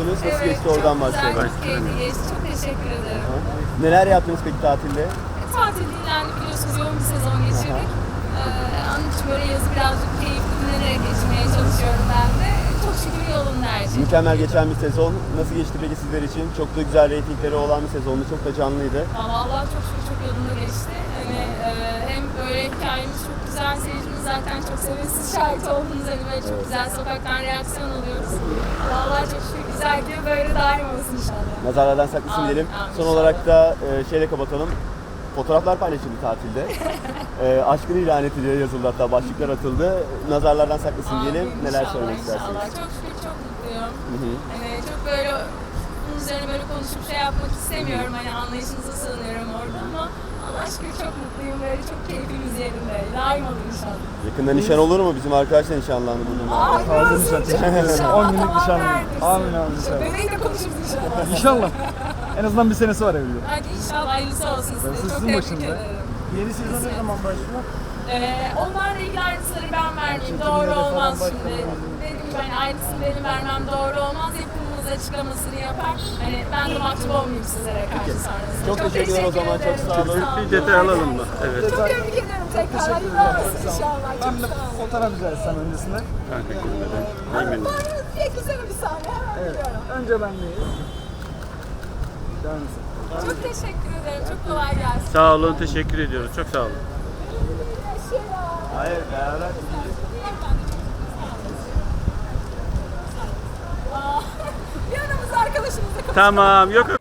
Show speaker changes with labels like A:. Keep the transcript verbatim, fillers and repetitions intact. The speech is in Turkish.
A: gidiyorsunuz. Nasıl
B: Evet,
A: geçti oradan
B: çok güzel,
A: başlayalım.
B: çok keyifli geçti. Çok teşekkür ederim.
A: Neler yaptınız peki tatilde?
B: Tatil dinlendi, biliyorsunuz yoğun bir sezon geçirdik. Ee, onun için böyle yazı birazcık keyifli dinlenerek geçirmeye çalışıyorum ben de. Çok şükür yolunda her şey.
A: Mükemmel geçen bir sezon. Nasıl geçti peki sizler için? Çok da güzel reytingleri olan bir sezondu. Çok da canlıydı.
B: Ama Allah çok şükür çok yolunda geçti. Hani e, hem böyle hikayemiz çok güzel, seyircimiz zaten çok seviyor. Siz şahit oldunuz, hani böyle çok güzel sokaktan reaksiyon alıyoruz. Allah çok şükür güzel gidiyor, böyle daim olsun inşallah.
A: Nazarlardan saklasın
B: Amin,
A: diyelim.
B: amin.
A: Son olarak da e, şeyle kapatalım. Fotoğraflar paylaşıldı tatilde. e, aşkını ilan ediliyor yazıldı, hatta başlıklar atıldı. Nazarlardan saklasın diyelim.
B: Amin,
A: Neler
B: inşallah,
A: söylemek
B: inşallah.
A: istersiniz?
B: Çok şükür çok mutluyum.
A: Hı hı.
B: Hani çok böyle bunun üzerine böyle konuşup şey yapmak istemiyorum. Hani anlayışınıza sığınıyorum orada ama Allah şükür çok mutluyum. Böyle çok keyfimiz yerinde. Daim olur inşallah.
A: Yakında nişan olur mu? Bizim arkadaşlar nişanlandı bununla.
B: Ay
C: Fazla
B: olsun,
C: nişan.
B: çok inşallah.
C: on günlük
B: Tamam,
C: nişan.
B: neredesin?
C: Amin, amin, inşallah.
B: Bebeği de konuşuruz inşallah.
C: İnşallah. En azından bir senesi var evliliğin.
B: Hadi inşallah hayırlısı olsun size.
C: Darısı
B: Çok
C: sizin
B: tebrik
C: başınıza.
B: ederim.
C: Yeni sezon ne zaman başlıyor?
B: Ee, onlarla ilgili ayrıntıları ben vermeyeyim. Doğru olmaz şimdi. Dediğim gibi hani ayrıntısını benim vermem doğru olmaz. Yapımımız açıklamasını yapar. Hani ben de mahcup olmayayım sizlere karşı sonrasında.
A: Çok teşekkür ederim o zaman, çok
B: ederim,
A: sağ olun.
B: olun.
D: Bir detay alalım mı? Evet.
B: Çok tebrik ederim tekrar. Hayırlı olsun inşallah. Çok
C: Ben de
B: sağ olun.
C: fotoğraf rica etsem öncesinde.
D: Teşekkür ederim. Eminim.
B: Bir güzel bir sahne. Hemen
C: Evet.
B: biliyorum.
C: Önce ben deyiz. Devam etsin.
B: Çok teşekkür ederim. Çok kolay gelsin.
D: Sağ olun, teşekkür ediyoruz. Çok sağ olun.
A: Hayır, beraber.
B: Aa, bir aramızda arkadaşımızla konuşalım.
D: Tamam, yok yok.